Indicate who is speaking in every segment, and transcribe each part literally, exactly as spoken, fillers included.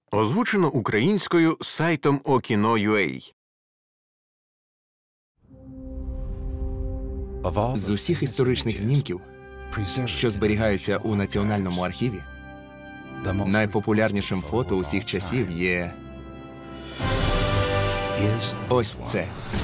Speaker 1: Озвучено українською сайтом Okino крапка ua.
Speaker 2: З усіх історичних знімків, що зберігаються у Національному архіві, найпопулярнішим фото усіх часів є ось це.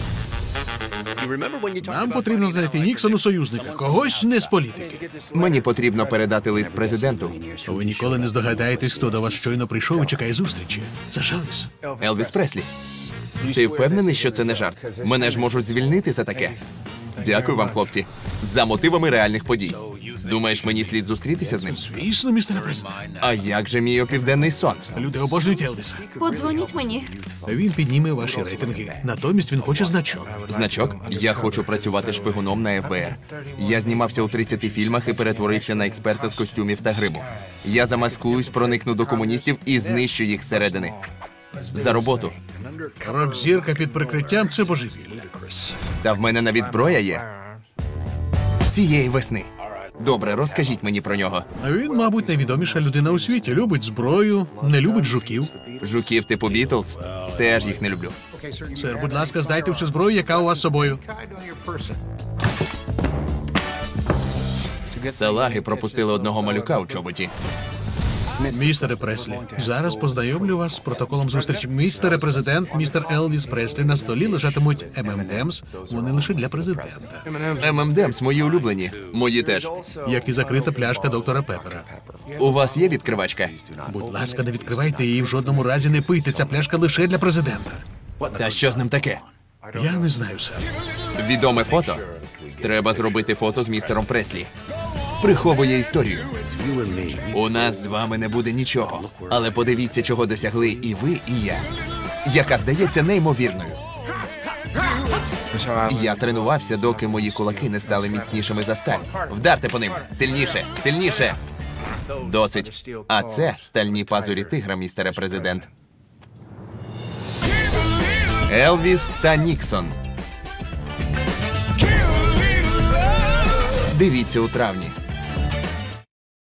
Speaker 3: Нам потрібно знайти Ніксону союзника, когось не з політики.
Speaker 2: Мені потрібно передати лист президенту.
Speaker 3: Ви ніколи не здогадаєтесь, хто до вас щойно прийшов і чекає зустрічі. Це Елвіс.
Speaker 2: Елвіс Преслі. Ти впевнений, що це не жарт? Мене ж можуть звільнити за таке. Дякую вам, хлопці. За мотивами реальних подій. Думаєш, мені слід зустрітися з ним?
Speaker 3: Звісно, містер президент.
Speaker 2: А як же мій опівденний сон?
Speaker 3: Люди обожнюють Елвіса.
Speaker 4: Подзвоніть мені.
Speaker 3: Він підніме ваші рейтинги. Натомість він хоче значок.
Speaker 2: Значок? Я хочу працювати шпигуном на еф бе ер. Я знімався у тридцяти фільмах і перетворився на експерта з костюмів та гриму. Я замаскуюсь, проникну до комуністів і знищу їх зсередини. За роботу.
Speaker 3: Рок-зірка під прикриттям – це божевілля.
Speaker 2: Та в мене навіть зброя є. Цієї весни. Добре, розкажіть мені про нього.
Speaker 3: А він, мабуть, найвідоміша людина у світі. Любить зброю, не любить жуків.
Speaker 2: Жуків типу Бітлз? Теж їх не люблю.
Speaker 3: Сер, будь ласка, здайте всю зброю, яка у вас з собою.
Speaker 2: Салаги пропустили одного малюка у чоботі.
Speaker 3: Містере Преслі, зараз познайомлю вас з протоколом зустрічі. Містере президент, містер Елвіс Преслі. На столі лежатимуть ем ем ем ес. Вони лише для президента.
Speaker 2: ем ем ем ес мої улюблені. Мої теж.
Speaker 3: Як і закрита пляшка доктора Пеппера.
Speaker 2: У вас є відкривачка?
Speaker 3: Будь ласка, не відкривайте її, в жодному разі не пийте. Ця пляшка лише для президента.
Speaker 2: Та що з ним таке?
Speaker 3: Я не знаю, сер.
Speaker 2: Відоме фото? Треба зробити фото з містером Преслі. Приховує історію. У нас з вами не буде нічого. Але подивіться, чого досягли і ви, і я. Яка здається неймовірною. Я тренувався, доки мої кулаки не стали міцнішими за сталь. Вдарте по ним. Сильніше, сильніше. Досить. А це стальні пазурі тигра, містере президент. Елвіс та Ніксон. Дивіться у травні.